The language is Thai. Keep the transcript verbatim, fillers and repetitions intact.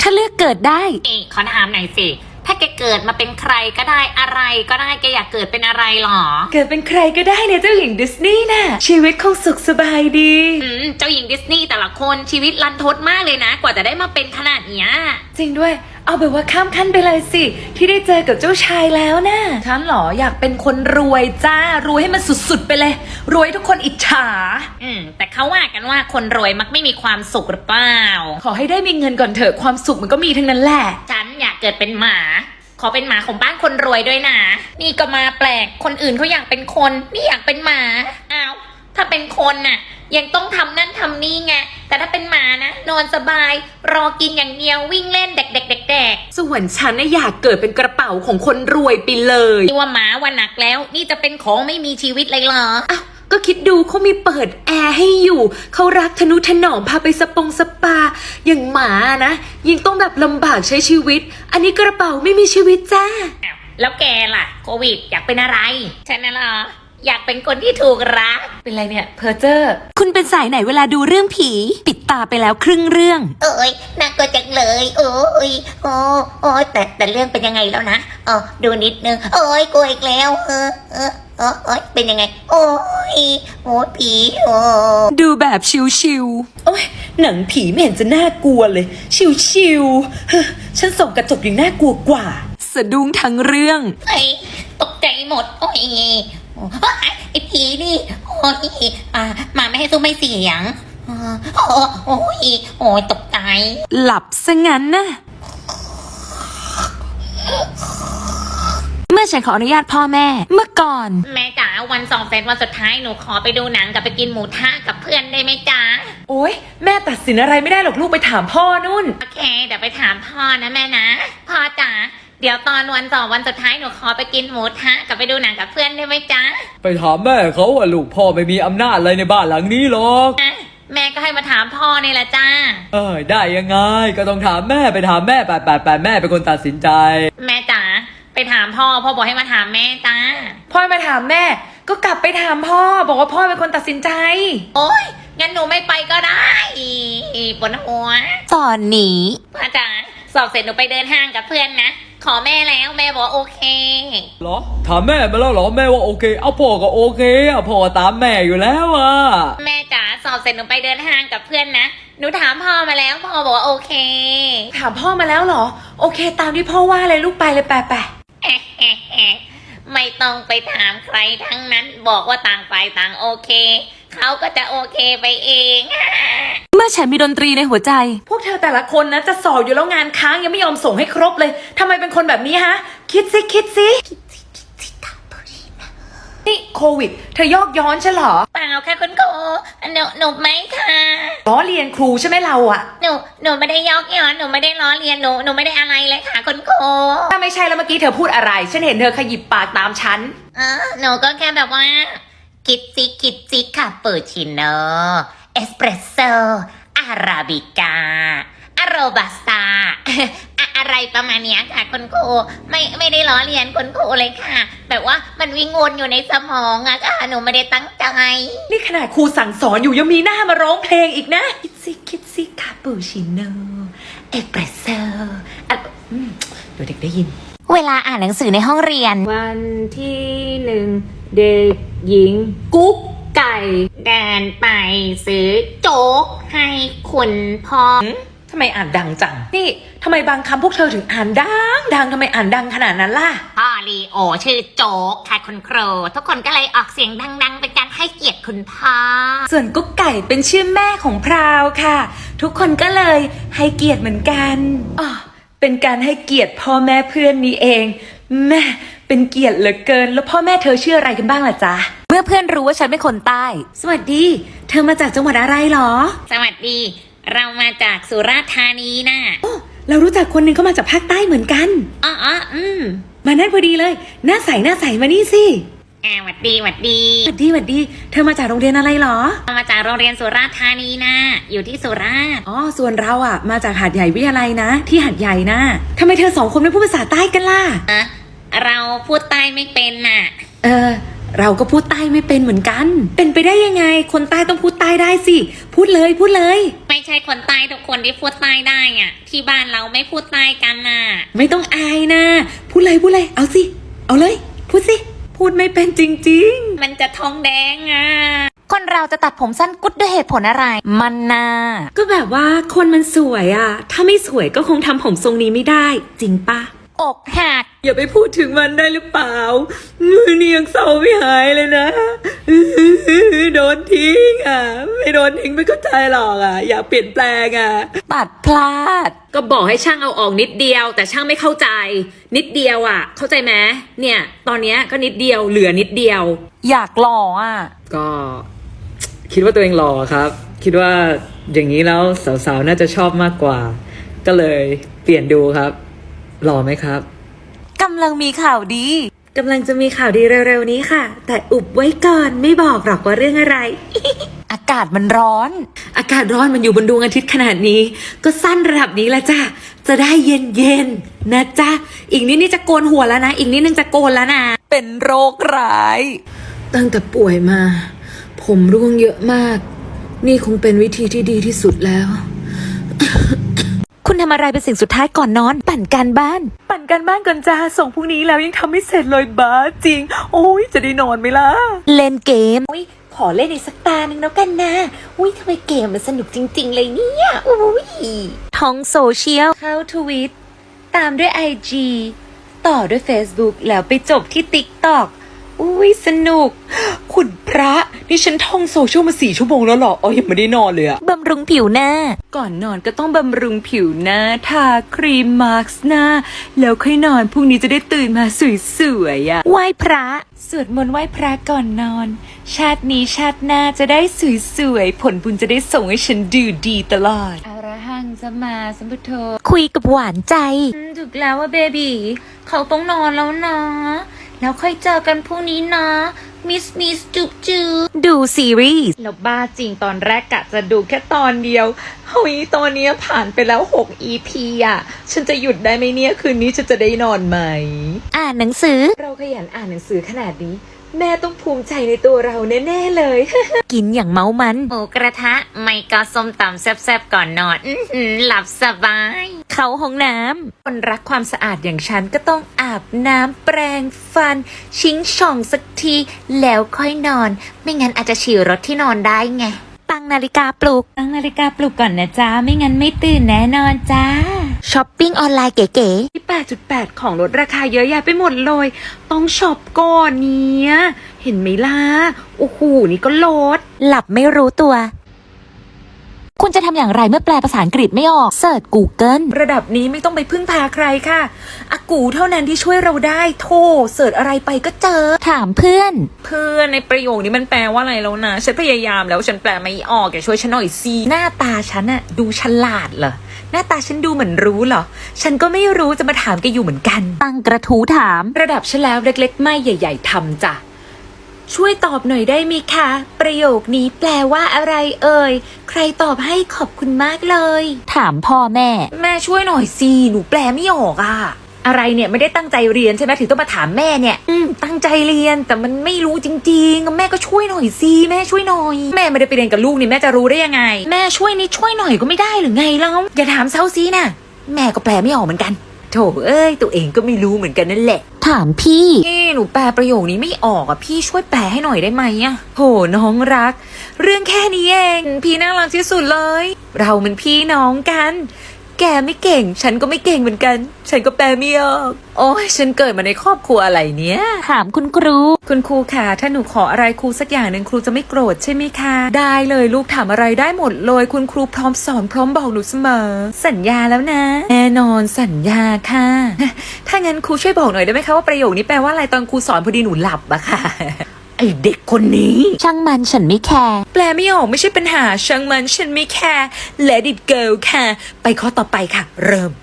ถ้าเลือกเกิดได้เอ้ขอถามหน่อยสิถ้าแกเกิดมาเป็นใครก็ได้อะไรก็ได้แกอยากเกิดเป็นอะไรหรอเกิดเป็นใครก็ได้เนี่ยเจ้าหญิงดิสนีย์น่ะชีวิตคงสุขสบายดีอืมเจ้าหญิงดิสนีย์แต่ละคนชีวิตรันทดมากเลยนะ กว่าจะได้มาเป็นขนาดเนี้ยจริงด้วยเอาแบบว่าข้ามขั้นไปเลยสิที่ได้เจอกับเจ้าชายแล้วนะฉันเหรออยากเป็นคนรวยจ้ารวยให้มันสุดๆไปเลยรวยให้ทุกคนอิจฉาอืมแต่เขาว่ากันว่าคนรวยมักไม่มีความสุขหรือเปล่าขอให้ได้มีเงินก่อนเถอะความสุขมันก็มีทั้งนั้นแหละฉันอยากเกิดเป็นหมาขอเป็นหมาของบ้านคนรวยด้วยนะนี่ก็มาแปลกคนอื่นเขาอยากเป็นคนนี่อยากเป็นหมาอ้าวถ้าเป็นคนน่ะยังต้องทำนั่นทำนี่ไงแต่ถ้าเป็นหมานะนอนสบายรอกินอย่างเดียววิ่งเล่นเด็กๆๆๆส่วนฉันน่ะอยากเกิดเป็นกระเป๋าของคนรวยไปเลยนี่ว่าหมาวันหนักแล้วนี่จะเป็นของไม่มีชีวิตเลยเหรออ้าวก็คิดดูเขามีเปิดแอร์ให้อยู่เขารักทนุถนอมพาไปสปงสปาอย่างหมานะยิ่งต้องแบบลำบากใช้ชีวิต อันนี้กระเป๋าไม่มีชีวิตจ้าอ้าวแล้วแกล่ะโควิดอยากเป็นอะไรฉันน่ะเหรออยากเป็นคนที่ถูกรักเป็นไรเนี่ยเพอเจอร์คุณเป็นสายไหนเวลาดูเรื่องผี ปิดตาไปแล้วครึ่งเรื่องเอ้ยน่ากลัวจังเลยโอ้ยโอ้โอ้ยแต่แต่เรื่องเป็นยังไงแล้วนะอ๋อดูนิดนึงโอ้ยกลัวอีกแล้วเออเออเออโอ้ยเป็นยังไง โอ้ยโอ้ยผีโอ้ดูแบบชิวๆโอ้ยหนังผีไม่เห็นจะน่ากลัวเลย ชิวๆเฮ้อฉันส่องกระจกยังน่ากลัวกว่า สะดุ้งทั้งเรื่องไอ้ตกใจหมดโอ้ยโอ้ยไอ้ผีนี่โอ้ยอ่ามาไม่ให้ซุ้มไม่เสียงอ่าโอ้โอ้ยโอ้ยตกใจหลับซะงั้นนะเมื่อฉันขออนุญาตพ่อแม่เมื่อก่อนแม่จ๋าวันสองเซตวันสุดท้ายหนูขอไปดูหนังกับไปกินหมูทะกับเพื่อนได้ไหมจ๊ะโอ๊ยแม่ตัดสินอะไรไม่ได้หรอกลูกไปถามพ่อนุ่นโอเคเดี๋ยวไปถามพ่อนะแม่นะพ่อจ๋าเดี๋ยวตอนวันสองวันสุดท้ายหนูขอไปกินหมูทะกับไปดูหนังกับเพื่อนได้ไหมจ๊ะไปถามแม่เขาว่าลูกพ่อไม่มีอำนาจอะไรในบ้านหลังนี้หรอกนะแม่ก็ให้มาถามพ่อนี่แหละจ้าเอ้ยได้ยังไงก็ต้องถามแม่ไปถามแม่แปดแปดแปดแม่เป็นคนตัดสินใจแม่จ๋าไปถามพ่อพ่อบอกให้มาถามแม่จ้าพ่อมาถามแม่ ก็กลับไปถามพ่อ บอกว่าพ่อเป็นคนตัดสินใจโอ๊ยงั้นหนูไม่ไปก็ได้ปวดหัวตอนนี้พ่อจ๋าสอบเสร็จหนูไปเดินห้างกับเพื่อนนะขอแม่แล้วแม่บอกว่าโอเคเหรอถามแม่มาแล้วเหรอแม่ว่าโอเคเอาพ่อก็โอเคอะพ่อตามแม่อยู่แล้วอะแม่จ๋าสอบเสร็จหนูไปเดินห้างกับเพื่อนนะหนูถามพ่อมาแล้วพ่อบอกว่าโอเคถามพ่อมาแล้วเหรอ โอเค ตามที่พ่อว่าเลยลูกไปเลยไปไปไม่ต้องไปถามใครทั้งนั้นบอกว่าต่างฝ่ายต่างโอเคเขาก็จะโอเคไปเองเมื่อฉันมีดนตรีในหัวใจ พวกเธอแต่ละคนนะจะสอบอยู่แล้วงานค้างยังไม่ยอมส่งให้ครบเลยทำไมเป็นคนแบบนี้ฮะ คิดสิคิดสินี่โควิด เธอยอกย้อนใช่เหรอเปล่าค่ะคุณครูหนูหนูไม่ค่ะล้อเรียนครูใช่ไหมเราอะหนูหนูไม่ได้ยอกย้อนหนูไม่ได้ล้อเลียนหนูหนูไม่ได้อะไรเลยค่ะคุณครูถ้าไม่ใช่แล้วเมื่อกี้เธอพูดอะไร ฉันเห็นเธอขยิบปากตามฉันเออหนูก็แค่แบบว่าคิดซิคิดซิคาปูชิโน่เอสเปรสโซ่อาราบิก้าอาโรบัสต้า อะอะไรประมาณเนี้ยค่ะคุณครูไม่ไม่ได้ล้อเลียนคุณครูเลยค่ะ แบบว่ามันวิ่งวนอยู่ในสมองอะค่ะหนูไม่ได้ตั้งใจนี่ขนาดครูสั่งสอนอยู่ยังมีหน้ามาร้องเพลงอีกนะ คิดสิคิดสิคาปูชิโน่เอสเปรสโซ่อ่ะอืมเดี๋ยวเด็กได้ยินเวลาอ่านหนังสือในห้องเรียนวันที่หนึ่งเด็กหญิง กุ๊กไก่เดินไปซื้อโจ๊กให้คุณพ่อทำไมอ่านดังจัง นี่ทำไมบางคำพวกเธอถึงอ่านดังดังทำไมอ่านดังขนาดนั้นล่ะพ่อลีโอชื่อโจ๊กค่ะคุณครูทุกคนก็เลยออกเสียงดังๆ เป็นการให้เกียรติคุณพ่อส่วนกุ๊กไก่เป็นชื่อแม่ของพราวค่ะ ทุกคนก็เลยให้เกียรติเหมือนกันอ๋อเป็นการให้เกียรติพ่อแม่เพื่อนนี่เองแม่เป็นเกียรติเหลือเกิน แล้วพ่อแม่เธอชื่ออะไรกันบ้างล่ะจ๊ะเมื่อเพื่อนรู้ว่าฉันเป็นคนใต้ สวัสดี เธอมาจากจังหวัดอะไรหรอสวัสดี เรามาจากสุราษฎร์ธานีนะโอ้เรารู้จักคนหนึ่งเขามาจากภาคใต้เหมือนกันอ๋ออ๋ออืมมานั่นพอดีเลย หน้าใสหน้าใสมานี่สิอ่าหวัดดีหวัดดีสวัสดีสวัสดี เธอมาจากโรงเรียนอะไรหรอเรามาจากโรงเรียนสุราษฎร์ธานีนะอยู่ที่สุราษฎร์อ๋อ ส่วนเราอ่ะ มาจากหาดใหญ่วิทยาลัยนะ ที่หาดใหญ่นะทำไมเธอสองคนไม่พูดภาษาใต้กันล่ะอะเราพูดใต้ไม่เป็นน่ะเออเราก็พูดใต้ไม่เป็นเหมือนกัน เป็นไปได้ยังไง คนใต้ต้องพูดใต้ได้สิ พูดเลยพูดเลยไม่ใช่คนใต้ทุกคนที่พูดใต้ได้อ่ะ ที่บ้านเราไม่พูดใต้กันน่ะไม่ต้องอายนะ พูดเลยพูดเลย เอาสิ เอาเลย พูดสิ พูดไม่เป็นจริงมันจะท้องแดงอ่ะ คนเราจะตัดผมสั้นกุดด้วยเหตุผลอะไร มันน่าๆ ก็แบบว่าคนมันสวยอะถ้าไม่สวยก็คงทำผมทรงนี้ไม่ได้ จริงปะอกหักอย่าไปพูดถึงมันได้หรือเปล่ามือนี่ยังเศร้าไม่หายเลยนะ โดนทิ้งอ่ะ ไม่โดนทิ้งไม่เข้าใจหรอกอ่ะ อยากเปลี่ยนแปลงอ่ะตัดพลาดก็บอกให้ช่างเอาออกนิดเดียว แต่ช่างไม่เข้าใจ นิดเดียวอ่ะ เข้าใจไหมเนี่ย ตอนเนี้ยก็นิดเดียวเหลือนิดเดียวอยากหล่ออ่ะก็คิดว่าตัวเองหล่อครับ คิดว่าอย่างนี้แล้วสาวๆน่าจะชอบมากกว่า ก็เลยเปลี่ยนดูครับ หล่อไหมครับกำลังมีข่าวดีกำลังจะมีข่าวดีเร็วๆนี้ค่ะ แต่อุบไว้ก่อนไม่บอกหรอกว่าเรื่องอะไรอากาศมันร้อนอากาศร้อนมันอยู่บนดวงอาทิตย์ขนาดนี้ ก็สั้นระดับนี้ละจ้ะ จะได้เย็นๆนะจ๊ะ อีกนิดนี่จะโกนหัวแล้วนะ อีกนิดนึงจะโกนแล้วนะเป็นโรคร้ายตั้งแต่ป่วยมา ผมร่วงเยอะมาก นี่คงเป็นวิธีที่ดีที่สุดแล้วคุณทำอะไรเป็นสิ่งสุดท้ายก่อนนอน ปั่นการบ้านปั่นกันบ้านก่อนจ้าส่งพรุ่งนี้แล้วยังทำไม่เสร็จเลยบ้าจริง โอ้ยจะได้นอนไหมล่ะเล่นเกมอุ้ยขอเล่นอีกสักตาหนึ่งแล้วกันนะ อุ้ยทำไมเกมมันสนุกจริง ๆ เลยเนี่ยอุ้ยท้องโซเชียลเข้าทวิตตามด้วย ไอ จี ต่อด้วย Facebook แล้วไปจบที่ TikTok อุ้ยสนุก คุณพระนี่ฉันท่องโซเชียลมาสี่ชั่วโมงแล้วเหรออ๋อยังไม่ได้นอนเลยอะบำรุงผิวหน้าก่อนนอนก็ต้องบำรุงผิวหน้าทาครีมมาร์กหน้า แล้วค่อยนอนพรุ่งนี้จะได้ตื่นมาสวยๆอะไหว้พระสวดมนต์ไหว้พระก่อนนอน ชาตินี้ชาติหน้าจะได้สวยๆผลบุญจะได้ส่งให้ฉันดูดีตลอดอรหังสัมมาสัมพุทโธคุยกับหวานใจอืมถูกแล้วว่าเบบีเขาต้องนอนแล้วนะ แล้วค่อยเจอกันพรุ่งนี้นะ มิสมิสจุบจุบดูซีรีส์แล้วบ้าจริงตอนแรกกะจะดูแค่ตอนเดียวเฮ้ยตอนนี้ผ่านไปแล้วหก อี พี อ่ะ ฉันจะหยุดได้ไหมเนี่ย คืนนี้ฉันจะได้นอนไหมอ่านหนังสือเราขยันอ่านหนังสือขนาดนี้ แม่ต้องภูมิใจในตัวเราแน่ๆเลยกินอย่างเมามันหมูกระทะ ไม่ก็ส้มตำแซ่บๆก่อนนอน อื้อหือหลับสบาย เข้าห้องน้คนรักความสะอาดอย่างฉันก็ต้องอาบน้ำแปรงฟัน ชิงช่องสักที แล้วค่อยนอนไม่งั้นอาจจะฉี่รถที่นอนได้ไง ตั้งนาฬิกาปลุกตั้งนาฬิกาปลุกก่อนนะจ๊ะ ไม่งั้นไม่ตื่นแน่นอนจ้าช้อปปิ้งออนไลน์เก๋ที่ แปดจุดแปด ของลดราคาเยอะแยะไปหมดเลย ต้องช็อปก่อนเนี้ย เห็นไหมล่ะ โอ้โห นี่ก็ลดๆ หลับไม่รู้ตัว คุณจะทำอย่างไรเมื่อแปลภาษาอังกฤษไม่ออก เสิร์ช Google ระดับนี้ไม่ต้องไปพึ่งพาใครค่ะอากูเท่านั้นที่ช่วยเราได้ โทรเสิร์ชอะไรไปก็เจอถามเพื่อนเพื่อนในประโยคนี้มันแปลว่าอะไรแล้วนะ ฉันพยายามแล้วฉันแปลไม่ออกแกช่วยฉันหน่อยสิหน้าตาฉันอะดูฉลาดเหรอ หน้าตาฉันดูเหมือนรู้เหรอ ฉันก็ไม่รู้จะมาถามแกอยู่เหมือนกันตั้งกระทู้ถามระดับฉันแล้วเล็กๆ ไม่ใหญ่ ๆทำจ้ะ ช่วยตอบหน่อยได้ไหมคะ ประโยคนี้แปลว่าอะไรเอ่ย ใครตอบให้ขอบคุณมากเลยถามพ่อแม่แม่ช่วยหน่อยสิหนูแปลไม่ออกอะอะไรเนี่ยไม่ได้ตั้งใจเรียนใช่ไหมถึงต้องมาถามแม่เนี่ย อืมตั้งใจเรียนแต่มันไม่รู้จริงๆแม่ก็ช่วยหน่อยสิแม่ช่วยหน่อย แม่ไม่ได้ไปเรียนกับลูกนี่แม่จะรู้ได้ยังไง แม่ช่วยนี่ช่วยหน่อยก็ไม่ได้หรือไงแล้วอย่าถามเซาซีนะแม่ก็แปลไม่ออกเหมือนกันโถเอ้ยตัวเองก็ไม่รู้เหมือนกันนั่นแหละถามพี่พี่หนูแปลประโยคนี้ไม่ออกอ่ะพี่ช่วยแปลให้หน่อยได้ไหมอ่ะโหน้องรัก เรื่องแค่นี้เองพี่น่ารักที่สุดเลย เรามันพี่น้องกัน แกไม่เก่ง ฉันก็ไม่เก่งเหมือนกัน ฉันก็แปลไม่ออกโอ้ยฉันเกิดมาในครอบครัวอะไรเนี้ยถามคุณครูคุณครูค่ะถ้าหนูขออะไรครูสักอย่างหนึ่งครูจะไม่โกรธใช่ไหมคะ ได้เลยลูกถามอะไรได้หมดเลย คุณครูพร้อมสอนพร้อมบอกหนูเสมอ สัญญาแล้วนะ แน่นอนสัญญาค่ะ ถ้างั้นครูช่วยบอกหน่อยได้ไหมคะว่าประโยคนี้แปลว่าอะไรตอนครูสอนพอดีหนูหลับอะค่ะ ไอเด็กคนนี้ช่างมันฉันไม่แคร์แปลไม่ออกไม่ใช่ปัญหาช่างมันฉันไม่แคร์ let it go ค่ะ ไปข้อต่อไปค่ะ เริ่ม